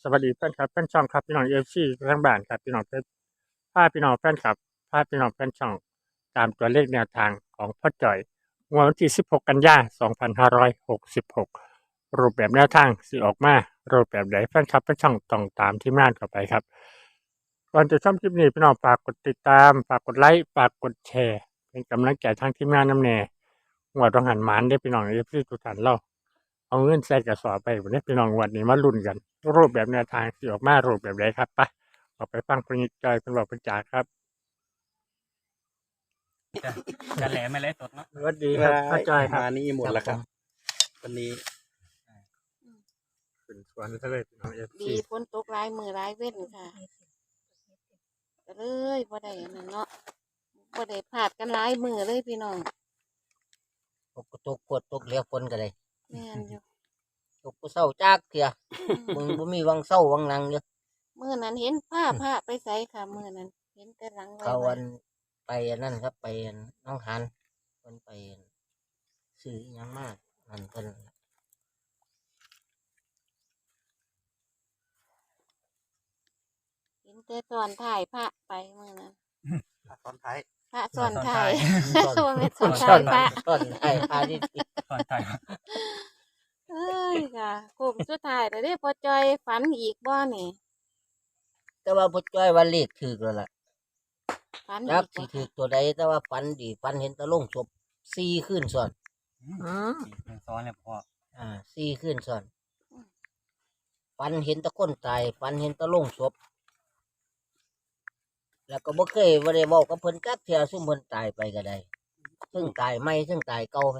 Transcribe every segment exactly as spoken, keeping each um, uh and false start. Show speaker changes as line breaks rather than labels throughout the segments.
วัสดีแฟนคลับแฟนช่องครับพี่น้องเอฟซีทั้งบ้านครับพี่น้องเพชรพาพี่น้องแฟนคลับพาพี่น้องแฟนช่องตามตัวเลขแนวทางของพ่อจ่อยงวดวันที่สิบหกกันยายนสองพันห้าร้อยหกสิบหกรูปแบบแนวทางสิออกมารูปแบบใดแฟนคลับแฟนช่องต้องตามที่ม่านเข้าไปครับก่อนจะชมคลิปนี้พี่น้องฝากกดติดตามฝากกดไลค์ฝากกดแชร์เป็นกำลังใจทางทีมงานน้ำแน่งวดต้องหันหมานได้พี่น้องเอฟซีทุกท่านเรา เอาเงินใส่กระสอบไปวันนี้พี่น้องวันนี้มาลุ้นกันรูปแบบแนวทางสิออกมารูปแบบใดครับไปออกไปฟังคุณจอยคุณบอกคุณจ๋าครับ
จะจะแหลมไม่เลยสดเนาะ
สวัสดีครับพ่อจอยครับ
มานี่หมดแล้วครับวันนี้
ขึ้นสวนทะเลพี่น้องเอฟ
ดี
ซี
ฝนตกหลายมือหลายเว้นค่ะก็เลยบ่ได้อันนั้นเนาะบ่ได้พลาดกันหลายมือเลยพี่น้อง
ตกก็ตกปวดตกเหลียวฝนก็เลย
แม่นอยู่
ตกก็เศร้าจากเถียมึงบ่มีวังเศร้าวังนังเด้อ
มือนั้นเห็นผ้าผ้าไปใส่ค่ะมือนั้นเห็นแต่หลังไว้
เขา
ไว้
วันไปอันนั่นครับไปอันน้องหันเพิ่นไปซื้ออิหยังมากนั่นเพิ่น
เห็นแต่ตอนถ่ายผ้าไปมือนั้น
ตอนท้าย
พระสอนถ่าย
ซ่อน
ว่าแม่นสอน
ซ่
ถ่า
อย น
พระ
ซ่อนไอ้พาที่
ตอนไทย
เอ้ยค่ะโคมสุดท้ายแต่ได้พอจอยฝันอีกบ่นี่
แต่ว่าพ่อจ้อยว่าเลขถูกแล้วล่ะ
ฝัน
จั
อี
ก
ก
สิ
บ่
ถูกตัวใดแต่ว่าฝันดีฝันเห็นตะลงศพสี่คืนซ้อน
เป็นซ้อนเลยพ่อ
อ่าสี่คืนซ้อนฝันเห็นตะคนตายฝันเห็นตะลงศพแล้วก็บ่เคยบ่ได้เว้ากับเพิ่นจักเที่ยซุ่มเพิ่นตายไปก็ได้ซึ่งตายใหม่ซึ่งตายเก่าไหม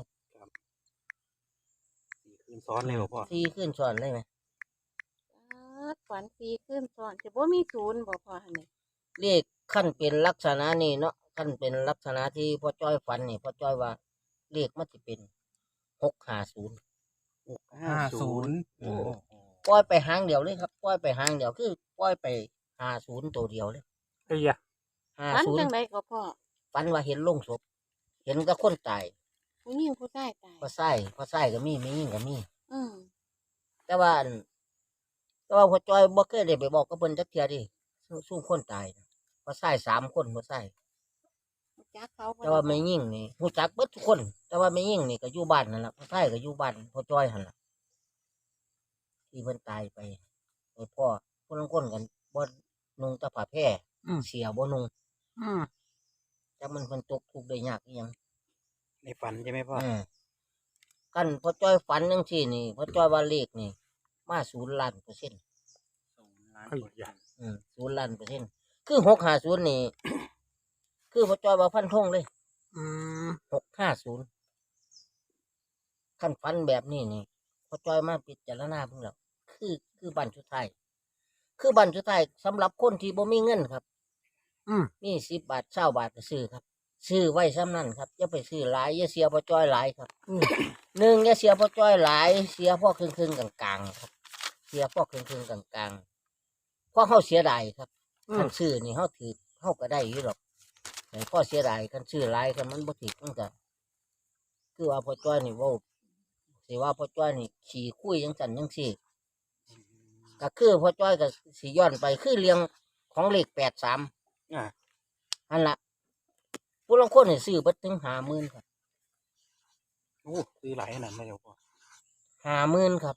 สี่คืนซ้อนเลยเหรอพ่อ
สี่คืนซ้อนเลยไหม
อ๊าดฝันสีขึ้นซ้อนจะบ่มีศูนย์บ่พอหั่นนี่
เรียกขั้นเป็นลักษณะนี้เนาะขั้นเป็นลักษณะที่พ่อจ้อยฝันนี่พ่อจ้อยว่าเรียกมันจะเป็นหกห้าศูนย์
ห้าศูนย์โอ้
ปล่อยไปหางเดียวเลยครับปล่อยไปหางเดียวคือปล่อยไปห้าศูนย์ตัวเดียวเลย
เฮ้ยอะ
ห้า
ฝัน
ศูน
จั
ย์
งไดก็พ่อ
ฝันว่าเห็นโลงศพเห็นกับคนตาย
ผู้หญิงผู้ชายตาย
พอไส้พอไส้ก็มีไม่ยิ่งก็มี
อืม
แต่ว่าอันแต่ว่าพ่อจ้อยบ่เคยได้ไปบอกกับเพิ่นจักเทียดิสู้สู้คนตายนะพอไส้สามคนพอไส้
จักเขาบ่
แต่ว่าไม่ยิ่งนี่รู้จักเบิดทุกคน แต่ว่าไม่ยิ่งนี่ก็อยู่บ้านนั่นแหละพ่อไส้ก็อยู่บ้านพ่อจ้อยหันล่ะที่เพิ่นตายไปไอ้พ่อคนละคนกันบ่นุ่งแตะผ้าแพร่เสียบ่นุ่ง
อืม
จักมันเพิ่นตกทุกข์ได้ยากอีหยัง
ในฝันใช่ไหมพ่อ
อืมกันพ่อจ้อยฝันจังซี่นี่พ่อจ้อยว่าเลขนี่มาศูนย์ล้านเปอร์เซ็นต์
เฮ้ยอะ
อืมศูนย์ล้านเปอร์เซ็นต์คือหกห้าศูนย์นี่ คือพ่อจ้อยว่าฟันธงเลย
อืม
หกห้าศูนย์ขั้นฟันแบบนี้นี่พ่อจ้อยมาพิจารณาเพิ่งแล้วคือคือบันชุดไทายคือบันชุดไทายสำหรับคนที่บ่มีเงินครับ
อืม
มีสิบบาทเช้าบาทก็ซื้อครับ ซื้อไว้ซ้ำนั่นครับอย่าไปซื้อหลายอย่าเสียพ่อจ้อยหลายครับหนึ่งอย่าเสียพ่อจ้อยหลาย เสียพ่อครึ่งครึ่งๆกลางๆครับ เสียพ่อครึ่งครึ่งๆกลางๆเพราะเขาเสียดายครับ
อื
คั
ม
นซื้อนี่เขาถือเขาก็ได้อยู่หรอกแต่พ่อเสียดายคันซื้อหลายคันมันบ่ถือมันก็คือว่าพ่อจ้อยนี่เว่าสิว่าพ่อจ้อยนี่ขี่คุยจังสันจังสี่ก็คือพ่อจ้อยก็สิย้อนไปคือเรียงของเลขแปดสาม
อ่า
อันละผู้ลางคนนี่ซื้อเบัดถึงห้าหมื่นครับ
โอ้ซื้อหลายขนาดนั้นเลยเหรอพ่อ
ห้าหมื่นครับ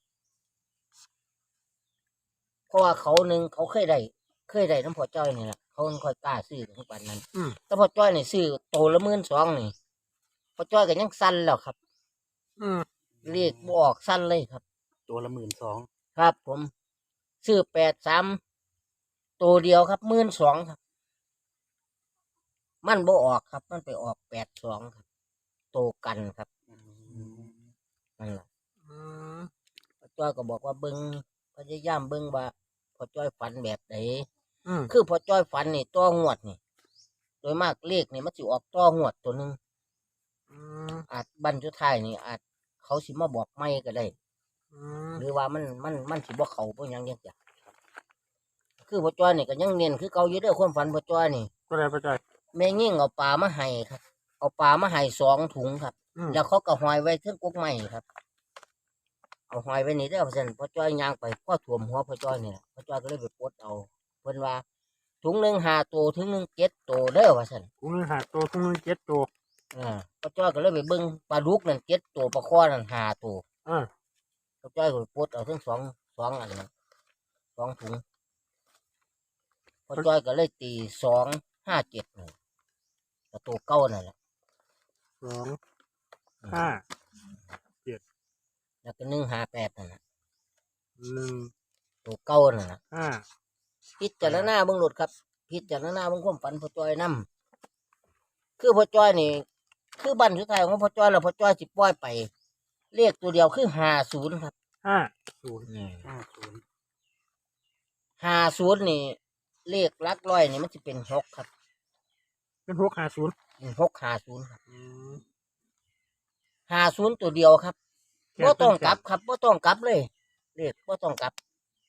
เพราะว่าเขาหนึ่งเขาเคยได้เคยได้น้ำพ่อจ้อยนี่แหละเขาค่อยกล้าซื้อถึงปานนั้น
อืม
แต่พ่อจ้อยนี่ซื้อโตละหมื่นสองนี่พ่อจ้อยก็ยังสั้นแล้วครับ
อืม
เรียกบออกสั้นเลยครับ
ตัวละหมื่นสอง
ครับ ผมซื้อแปดสามตัวเดียวครับหมื่นสองครับ มันบ่ออกครับ มันไปออกแปดสองครับโตกันครับนั่นแหละ
อืม
พ่อจ้อยก็บอกว่าเบิ้งพยายามเบิ้งว่าพ่อจ้อยฝันแบบไหน
อืม
คือพ่อจ้อยฝันนี่ตัวงวดนี่ โดยมากเลขนี่มันสิออกตัวงวดตัวหนึ่ง
อืม
อาจบันจุดท้ายนี่อาจเขาสิมาบอกไม่ก็ได้
อืม
หรือว่ามันมันมันสิบ่เขาบ่หยังยังจ้ะคือพ่อจ้อยนี่ก็ยังเน้นคือเก่าอยู่เด้อความฝันพ่อจ้อยนี่
ก็เลยพ่อจอย
แม่ยิ่งเอาปลามาให้ครับ เอาปลามาให้สองถุงครับ
อืม
แล้วเขาก็หอยไว้เทิงกกไม้ครับเอาหอยไว้นี่เด้อเพิ่นพ่อจ้อยย่างไปพ่อถ่วมหัวพ่อจ้อยนี่แหละพ่อจ้อยก็เลยไปปลดเอาเพิ่นว่าถุงหนึ่งห้าตัวถุงหนึ่งเจ็ดตัวเด้อว่าซั่น
ถุงหนึงห้าตัวถุงหนึงเจ็ดตัว
อ่าพ่อจ้อยก็เลยไปเบิ่งปลาดุกนั่นเจ็ดตัวปลาคอนั่นห้าตัว
อ่า
พ่อจ้อยก็ไปปลดเอาทั้งสองสองอันนั้นสองถุงพ่อจ้อยก็เลยตีสองห้าเจ็ดนี่ก็ตัวเก่านั่นแหละ
สองห้า
แล้วก็หนึ่งห้าแปดนั่นแหละ
หนึ่ง
ตัวเก่านั่นแหละ
ห้า
พิจารณาเบิ่งโลดครับ พิจารณาเบิ่งความฝันพ่อจ้อยนํคือพ่อจ้อยนี่ คือบันสุดท้ายของพ่อจ้อยแล้วพ่อจ้อยสิปล่อยไปเลขตัวเดียวคือห้าศูนย์ครับ
ห้าศูนย์
ห้าศูนย์
ห้าศูนย์นี่ เลขหลักร้อยนี่มันจะเป็นหกครับ
เป็นหกห้าศูนย์
หกห้าศูนย์ครับ
อืม
ห้าศูนย์ตัวเดียวครับ
แค่
บ่ต้อง
เป็น
กลับครับบ่ต้องกลับเลย เลขบ่ต้องกลับ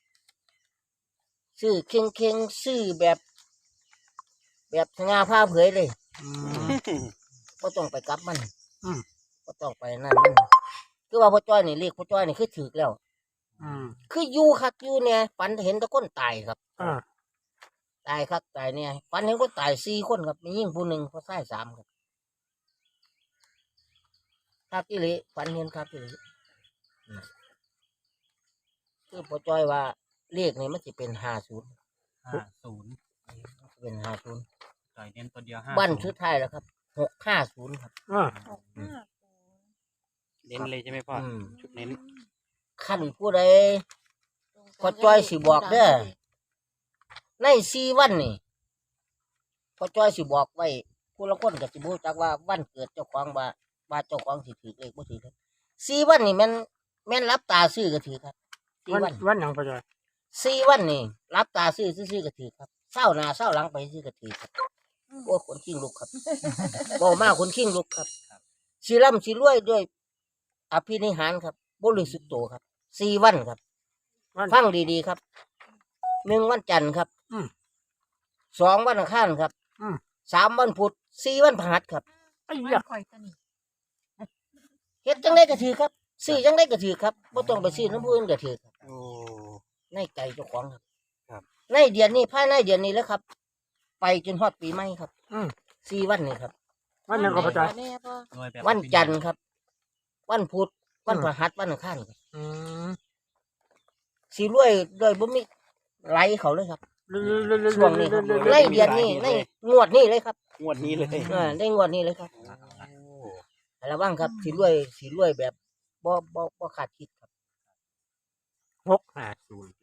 ซื้อเข่งเข่งๆซื้อแบบ แบบสง่าผ้าเผยเลย
อืม
บ่ต้องไปกลับมัน
อืม
บ่ต้องไปนั่นมันคือว่าพ่อจ้อยนี่เลขพ่อจ้อยนี่คือถูกแล้ว
อืม
คืออยู่คักอยู่เนี่ยฝันเห็นแต่คนตายครับ
อ่า
ตายครับตายเนี่ยฝันเห็นคนตายสี่คนครับมียิ่งผู้หนึ่งผู้ชายสามครับครับที่เลยฝันเห็นครับที่เลยคือพ่อจ้อยว่าเลขนี่มันจะเป็นห้าศูนย์
ห้าศูนย์
เป็นห้าศูนย์
จ่อยเน้นตัวเดียวห้า
บ้าน
ศู
ชุ
น
ด
ย์
ท้ายแล้วครับหกห้าศูนย์ครับ
อ่า
หกห้าศูนย์
เน้นเลยใช่ไหมพ่ออ
ม
ชุดเน้น
ขั้นผู้ใด พ่อจ้อยสิบอกเด้อ ในสี่วันนี่พ่อจ้อยสิบอกไว้ผู้ละคนก็สิบูจักว่าวันเกิดเจ้าของว่าว่าเจ้าของสิถือเลขบ่ถือครับสี่วันนี่แม่นแม่นรับตาซื้อก็ถือครับสี่
วัน
วัน
วันหยังพอจอย
สี่วันนี่รับตาซื้อซื้อๆก็ถือครับเศร้าหน้าเศร้าหลังไปซื้อก็ถือครับโอ้คนขิ้งลุกครับบ่มากคนขิ้งลุกครับสิร่ำสิรวยด้วยอภินิหารครับบริสุทธิ์โตครับสี่วันครับ
วัน
ฟังดีๆครับหนึ่งวันจันทร์ครับ
อืม
สองวันอังคารครับ
อืม
สามวันพุธสี่วันพฤหัสครับ
ไอ้ยะ
เฮ็ดจังได้ก็ถือครับซื้อจังได้ก็ถือครับบ่ต้องไปซื้อน้ำผู้อื่นก็ถือครับ
โอ้
ในใจเจ้าของครับ
ครับ
ในเดือนนี้ภายในเดือนนี้แล้วครับ ไปจนฮอดปีใหม่ครับ
อืม
สี่วันนี้ครับ
วันหยังก็พอจอย
แน่พ่อ
รวยแบบ
วันจันทร์ครับ วันพุธวันพฤหัสวันอังคารครับ
อืม
สิรวยโดยบ่มีไหลเขาเลยครับ
เรื่อยๆๆๆๆๆ
ช่วงนี้ครับในเดือนนี้ในงวดนี้เลยครับ
งวดนี้เลย
เออในงวดนี้เลยครับ
โอ้
ระวังครับสิรวยสิรวยแบบบ่บ่บ่คาดคิดครับ
หกห้าศูนย์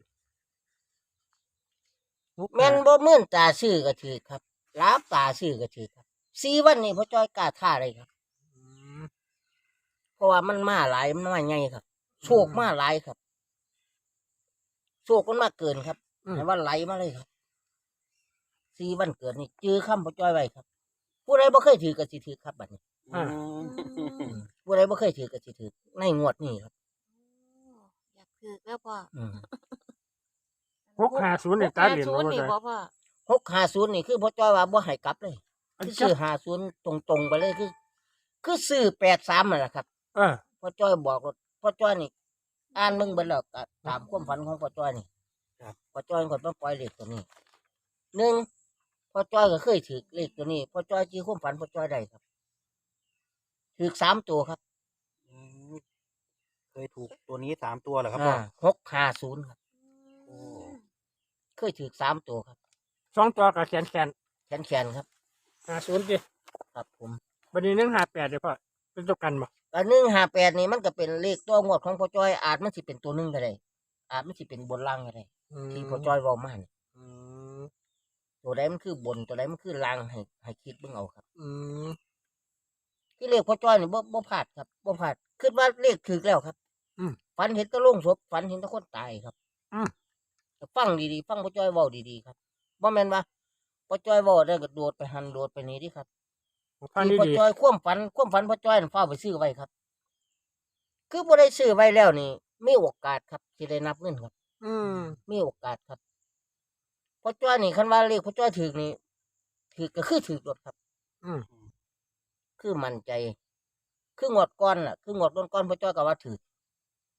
หก
แม่น
ห้า
บ่มื่นตาซื้อก็ถือครับลาบตาซื้อก็ถือครับสี่วันนี้พ่อจ้อยกล้าท่าเลยครับ
อืม
เพราะว่ามันมาหลายมันมาใหญ่ครับโชคมาหลายครับโชคมันมาเกินครับ
อืม
แต่ว่าไหลมาเลยครับสี่วันเกิดนี่จื้อคำพ่อจ้อยไว้ครับ ผู้ใดบ่เคยถือก็สิถือครับบัดนี้
อืม
ผู้ใดบ่เคยถือก็สิถือในงวดนี้ครับ
อยากถือแล้วพ่อ
อืม
หกห้าศูนย์เนี่ยตาเหรียญ
ศู
บ่
นย์
พอ
นี่
จอย
บ่พ่อ
หกห้าศูนย์นี่คือพ่อจ้อยว่าบ่ให้กลับเลย
อัน
คือ
จั
ซื้อบ ห้าศูนย์ตรงๆไปเลยคือ คือซื้อแปดสามนั่นแหละครับ
เออ
พ่อจ้อยบอกว่าพ่อจ้อยนี่ อ่านมึงเบิ่แล้วก็ตามความฝันของพ่อจ้อยนี่พ่อจ้อยคนต้องปล่อยเลขตัวนี้หนึ่งพ่อจ้อยก็เคยถือเลขตัวนี้พ่อจ้อยจี้ความฝันพ่อจ้อยได้ครับถือสามตัวครับ
อืมเคยถูกตัวนี้สามตัวเหรอครับพ่อ
อ่าหกห้าศูนย์ครับ
โอ้
เคยถือสามตัวครับ
สองตัวกับแขนแขน
แขนแขนๆครับ
ห้าศูนย์ดิ
ครับผม
วันนี้หนึ่งห้าแปดเดี๋ยวพ่อเป็นตัวกันบ่
แต่หนึ่งห้าแปดนี่มันก็เป็นเลขตัวงวดของพ่อจ้อยอาจมันสิเป็นตัวหนึ่งก็ได้อาจมันสิเป็นบนล่างก็ได้
อืม
ที่พ่อจ้อยเว้ามานี่
อืม
ตัวใดมันคือบนตัวใดมันคือล่างให้ให้คิดเบิ่งเอาครับ
อืม
ที่เลขพ่อจ้อยนี่บ่บ่พลาดครับบ่พลาดคิดว่าเลขถูกแล้วครับ
อืม
ฝันเห็นแตะโลงศพฝันเห็นแตะคนตายครับ
อืม
ฟังดีๆฟังพ่อจ้อยเว้าดีๆครับบ่แม่นว่าพ่อจ้อยเว้าได้ก็โดดไปหันโดดไปนี่ดิครับ
ฟัง
ที่พ่อ
ดี
จ้อยความฝันความฝันพ่อจ้อยนั่นฟ้าวไปซื้อไว้ครับ คือบ่ได้ซื้อไว้แล้วนี่มีโอกาสครับสิได้นับเงินครับ
ๆอืม
มีโอกาสครับพ่อจ้อยนี่คันว่าเลขพ่อจ้อยถูกนี่ถูกก็คือถูกรถครับ
อืม
คือมั่นใจ คืองวดก่อนน่ะ คืองวดก่อนๆพ่อจ้อยก็ว่าถูก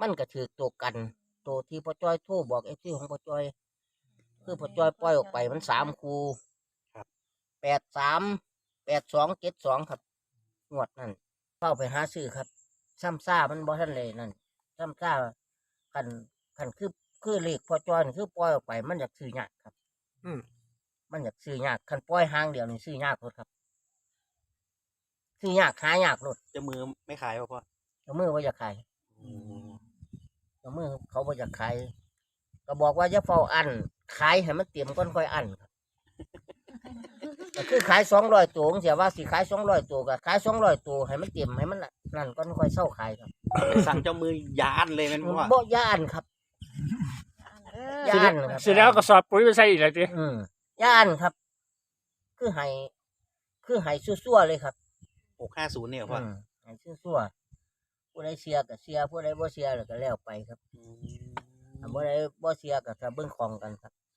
มันก็ถือตัวกันตัวที่พ่อจ้อยโทรบอกเอฟซีของพ่อจ้อยคือพ่อจ้อยปล่อยออกไปมันสามคูแปดสามแปดสองเจ็ดสองครับงวดนั่นเข้าไปหาซื้อครับซ้ำซ่ามันบ่ทันเลยนั่นซ้ำซ่าคันคันคือคือเลขพ่อจ้อยนี่คือปล่อยออกไปมันอยากซื้อยากครับ
อืม
มันอยากซื้อยากคันปล่อยห้างเดียวนี่ซื้อยากรถครับซื้อยากหายากรถ
จะมือไม่ขายป่ะพ่อ
เจ้ามือว่าอยากขายเจ้ามือเขาว่าอยากขายก็บอกว่าจะเฝ้าอันขายให้มันเตรียมก้อนค่อยอันครับ ก็คือขายสองร้อยตัวเสียว่าสิขายสองร้อยตัวก็ขายสองร้อยตัวให้มันเตรียมให้มันนั่นก้อนค่อยเศร้าขายครับ
สั่งเจ้ามือยานเลยแมันพ่อ
บ่ย่านครับ
เออย่
านครับ
เสร็จแล้วก็สอบปุ๋ยไปใส่อีกแล้วติ
อืมย่านครับ คือให้คือให้ซั่วๆเลยครับ
หกห้าศูนย์เนี่ยพ่อ
อืมให้ซั่วๆผู้ใดเสียก็เสียผู้ใดบ่เสียแล้วก็แล้วไปครับ
อืม
ถ้าบ่ได้บ่เสียก็จะเบิ่งของกันครับ